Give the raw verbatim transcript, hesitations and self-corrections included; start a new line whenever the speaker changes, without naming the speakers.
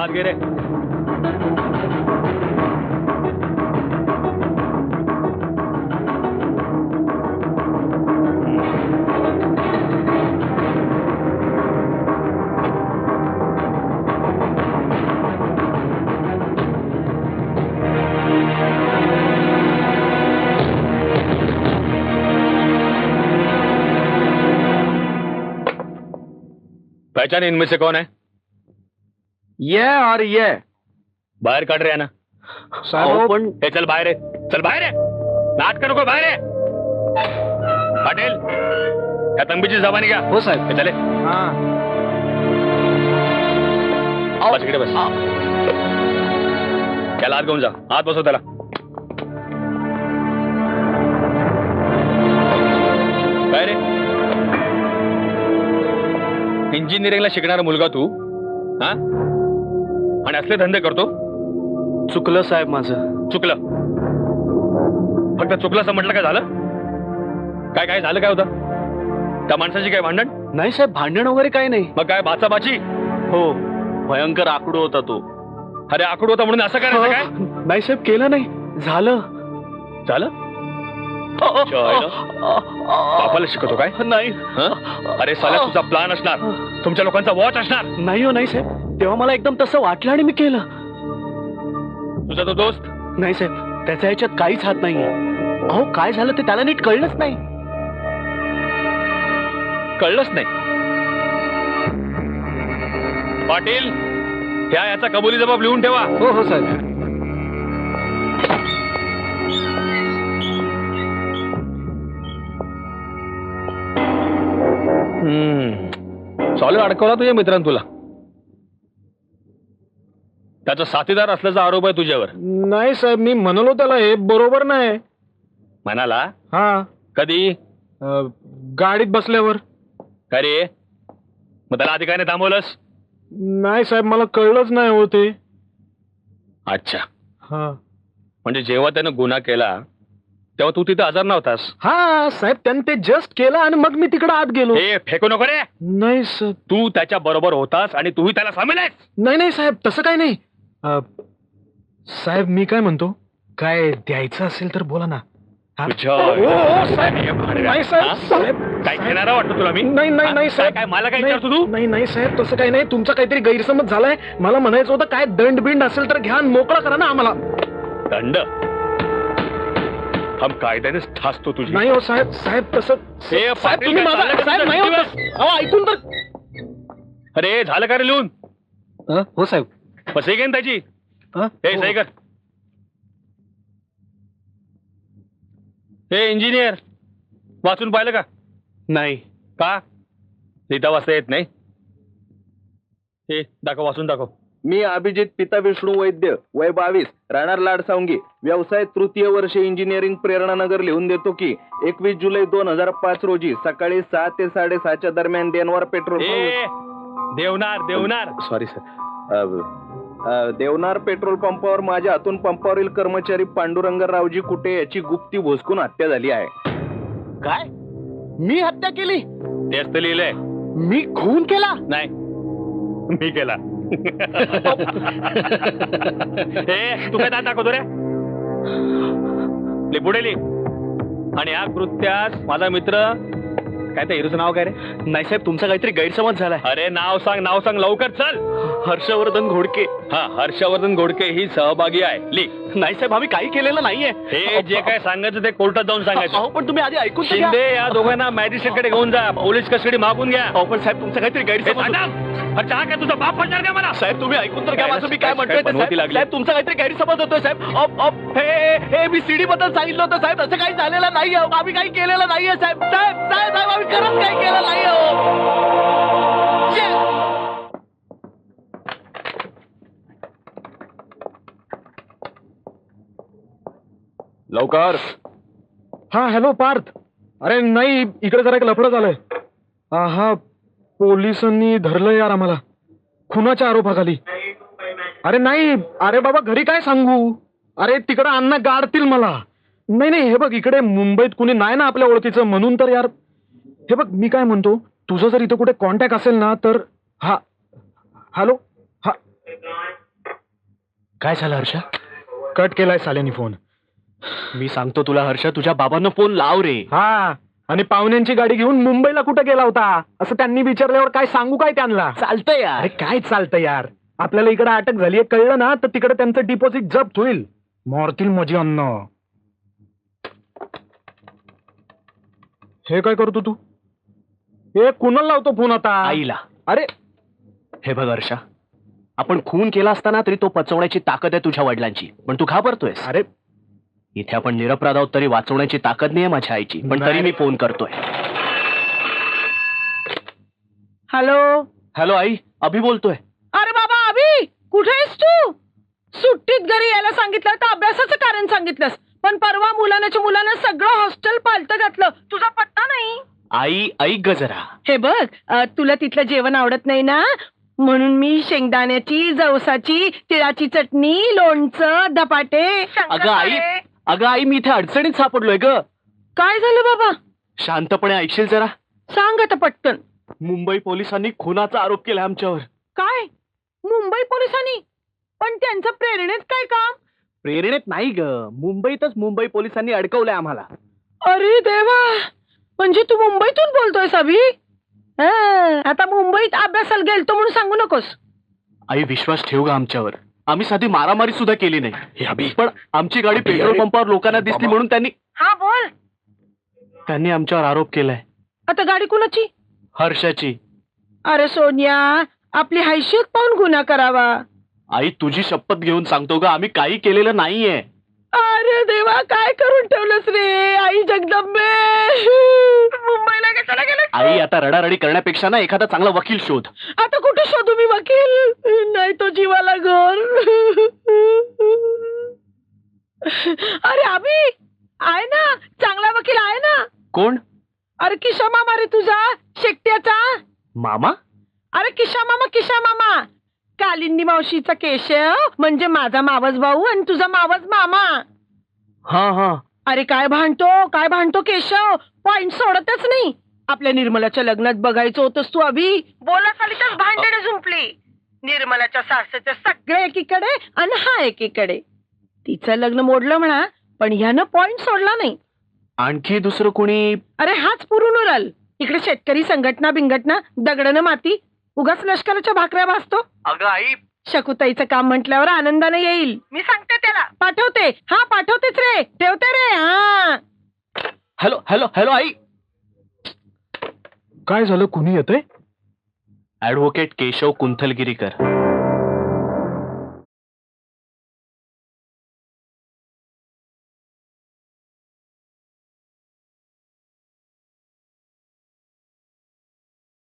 हात घे रे. पहचान इनमें से कौन है?
ये और ये.
बाहेर काढ रे ना.
साहेब पण
हे चल बाहेर आहे. चल बाहेर आहे. नाटक नको बाहेर आहे. पाटील त्या तंबीची जबानी घ्या.
हो साहेब.
हे चले.
हा
बस इकडे बस. त्याला आत घेऊन जा. आत बसव त्याला. काय रे इंजिनिअरिंगला शिकणारा मुलगा तू हा आणि असले धंदे करतो?
चुकलं साहेब माझं.
चुकलं? फक्त चुकलं असं म्हटलं काय झालं? काय काय झालं? काय होतं त्या माणसाची? काय भांडण?
नाही साहेब भांडण वगैरे काही नाही.
मग काय बाचाबाची?
हो भयंकर आकडू होता तो.
अरे आकडू होता म्हणून असं करायचं काय?
नाही साहेब केलं नाही. झालं
झालं. बापाला शिकवतो काय?
नाही.
अरे साला तुझा प्लान असणार. तुमच्या लोकांचा वॉच असणार.
नाही हो नाही साहेब तेव्हा मला एकदम तसं वाटलं आणि मी केलं.
तुझा तो दोस्त?
नाही साहेब त्याच्या ह्याच्यात काहीच हात नाहीये. अहो काय झालं ते त्याला नीट कळलंच नाही.
कळलंच नाही? पाटील ह्या याचा कबुली जबाब लिहून ठेवा.
हो हो साहेब.
हम्म चालू अडकवला तुझ्या मित्रांनी तुला. त्याचा साथीदार असल्याचा आरोप आहे तुझ्यावर.
नाही साहेब मी म्हणालो त्याला हे बरोबर नाही.
म्हणाला?
हा.
कधी?
गाडीत बसल्यावर.
काय रे मग त्याला आधी काय नाही थांबवलंस?
नाही साहेब मला कळलंच नाही होते.
अच्छा.
हा
म्हणजे जेव्हा त्यानं गुन्हा केला तेव्हा तू तिथे हजर नव्हतास?
हा साहेब त्याने ते जस्ट केलं आणि मग मी तिकडे आत गेलो.
हे फेकू नको रे.
नाही साहेब.
तू त्याच्या बरोबर होतास आणि तूही त्याला सामील आहेस?
नाही नाही साहेब तसं काही नाही. साहेब मी काय म्हणतो काय द्यायचं असेल तर बोला ना.
काय घेणारा वाटतं तुला मी?
नाही नाही नाही साहेब.
काय मला काय विचारतो तू?
नाही नाही साहेब तसं काही नाही. तुमचा काहीतरी गैरसमज झालाय. मला म्हणायचं होतं काय दंड बिंड असेल तर घ्या मोकळा करा ना आम्हाला.
दंड? हम कायद्यानेच ठासतो तुझी.
नाही हो साहेब. साहेब तसं साहेब तुम्ही माझा साहेब नाही होत. अहो ऐकून तर.
अरे झालं का रे लिहून?
हो साहेब.
मग सही घेईन त्याची. हे सही कर. हे इंजिनियर वाचून पाहिलं का?
नाही.
का? लिहिता वाचता येत नाही? हे दाखव वाचून दाखव.
मी अभिजित पिता विष्णू वैद्य वय बावीस राहणार लाडसावंगी व्यवसाय तृतीय वर्ष इंजिनिअरिंग प्रेरणानगर लिहून देतो की एकवीस जुलै दोन हजार पाच रोजी सकाळी सहा ते साडेसहाच्या दरम्यान Deonar petrol
Deonar Deonar
sorry sir Deonar petrol पंपावर माझ्या हातून पंपावरील कर्मचारी पांडुरंग रावजी कुटे याची गुप्ती भोसकून हत्या झाली आहे.
काय? मी हत्या केली?
तेच तर लिहिलंय.
मी खून केला?
नाही मी केला. हे तू काय दात दाखवतो रे? ले पुढे लिह. आणि या कृत्यास माझा मित्र काय त्या हिरोचं नाव काय रे?
नाही साहेब तुमचा काहीतरी गैरसमज झालाय.
अरे नाव सांग नाव सांग लवकर चल.
हर्षवर्धन घोडके.
हा हर्षवर्धन घोडके ही सहभागी आहे. लिह.
नाही साहेब आम्ही काही केलेलं नाहीये.
हे जे काय सांगायचं ते कोर्टात जाऊन सांगायचं.
पण तुम्ही आधी ऐकून तर घ्या.
शिंदे या दोघांना मॅजिस्ट्रेट कडे घेऊन जा. पोलीस कस्टडी मागून घ्या.
अहो पण साहेब तुमचा काहीतरी गैरसमज.
अच्छा हा काय तुझा बाप म्हणणार का मला?
साहेब तुम्ही ऐकून तर घ्या माझं मी काय म्हणतोय ते.
बनवती लागली.
साहेब तुमचा काहीतरी गैरसमज होतोय साहेब. अप अप हे हे मी सीडी बद्दल सांगितलं होतं साहेब. असं काही झालेलं नाहीये. आम्ही काही केलेलं नाहीये साहेब. साहेब साहेब साहेब आम्ही खरंच काही केलं नाहीये.
लवकर.
हा हॅलो पार्थ. अरे नाही इकडे जरा एक लफडं झालंय. हा पोलिसांनी धरलं यार आम्हाला खुनाच्या आरोपाखाली. अरे नाही अरे बाबा घरी काय सांगू. अरे तिकडं अण्णा गाडतील मला. नाही नाही हे बघ इकडे मुंबईत कुणी नाही ना आपल्या ओळखीचं म्हणून तर यार. हे बघ मी काय म्हणतो तुझं जर इथं कुठे कॉन्टॅक्ट असेल ना तर. हा हॅलो. हा
काय झालं हर्षा?
कट केलाय साल्यानी फोन.
मी सांगतो तुला हर्षा, तुझ्या बाबांना फोन लाव रे.
हा, आणि पाहुण्यांची गाडी घेऊन मुंबईला कुठं गेला होता असं त्यांनी विचारल्यावर काय सांगू काय त्यांना?
चालतंय यार.
अरे काय चालतं यार, आपल्याला इकडे अटक झाली कळलं ना तर तिकडे त्यांचं डिपॉझिट जप्त होईल. मरतील माझी अन्न. हे काय करतो तू? हे कुणाला लावतो फोन आता?
आईला.
अरे
हे बघ हर्षा, आपण खून केला असताना तरी तो पचवण्याची ताकद आहे तुझ्या वडिलांची, पण तू घाबरतोयस.
अरे
इथे आपण निरपराध आहोत तरी वाचवण्याची ताकद नाहीये माझ्या आईची, पण तरी
नाही.
मी फोन करतोय.
हॅलो.
हॅलो आई, अभि बोलतोय.
अरे बाबा अभि, कुठे आहेस तू? सुट्टीत घरी यायला सांगितलं तर अभ्यासाचं कारण सांगितलंस, पण परवा मुलानाच्या मुलानं सगळं हॉस्टेल पालतं घातलं. तुझा पत्ता नाही.
आई ऐक ग जरा.
हे बघ, अ, तुला तिथलं जेवण आवडत नाही ना, म्हणून मी शेंगदाण्याची, जवसाची, तिळाची चटणी, लोणचं, धपाटे.
अगं आई, अगं आई, मी इथे अडचणीत सापडलोय ग.
काय झालं बाबा?
शांतपणे ऐकशील जरा.
सांग आता पटकन.
मुंबई पोलिसांनी खुनाचा आरोप केला आमच्यावर.
काय? मुंबई पोलिसांनी? पण त्यांचं प्रेरणेत काय काम?
प्रेरणेत नाही ग, मुंबईतच मुंबई पोलिसांनी अडकवलंय आम्हाला.
अरे देवा, म्हणजे तू मुंबईतून बोलतोयस अभि? हं, आता मुंबईत अभ्यासाला गेलतो म्हणून सांगू नकोस.
आई विश्वास ठेव ग आमच्यावर. आम्ही साधी मारामारी सुद्धा केली नाही, पण आमची गाडी पेट्रोल पंपावर लोकांना दिसली म्हणून त्यांनी
हा बोल.
त्यांनी आमच्यावर आरोप केलाय.
आता गाडी कुणाची?
हर्षाची.
अरे सोनिया, आपली हैसियत पाहून गुन्हा करावा.
आई तुझी शपथ घेऊन सांगतो ग, आम्ही काही केलेलं नाहीये.
अरे देवा, काय करून ठेवलंस रे आई जगदंबे. मुंबईला कशाला गेलं?
आई आता रडारडी करण्यापेक्षा ना एखादा चांगला वकील शोध.
आता कुठे शोधू मी वकील? नाही तो जीवाला घर. अरे अभि, आहे ना चांगला वकील आहे ना.
कोण?
अरे किशा मामा रे तुझा, शेकट्याचा
मामा.
अरे किशा मामा, किशा मामा. कालिंदी मावशीचा केशव म्हणजे माझा मावस भाऊ आणि तुझा मावस मामा.
हा हा.
अरे काय भांडतो, काय भांडतो केशव, पॉइंट सोडतच नाही. आपल्या निर्मलाच्या लग्नात बघायचं होतंस तू अभि, बोला खाली तर भांडणे झुंपली. निर्मलाच्या सासऱ्याच्या सगळे एकीकडे आणि हा एकीकडे. तिचं लग्न मोडलं म्हणा, पण ह्यानं पॉइंट सोडला नाही.
आणखी दुसरं कोणी?
अरे हाच पुरून उरल. इकडे शेतकरी संघटना बिंगटना, दगडनं माती, उगाच लष्कराच्या भाकऱ्या भासतो.
अगं आई,
शकुताईचं काम म्हटल्यावर आनंदाने येईल. मी सांगते त्याला, पाठवते. हा पाठवतेच रे, ठेवते रे. हा
हॅलो हॅलो हॅलो आई.
काय झालं, कुणी येतंय?
ऍडव्होकेट केशव कुंथलगिरीकर.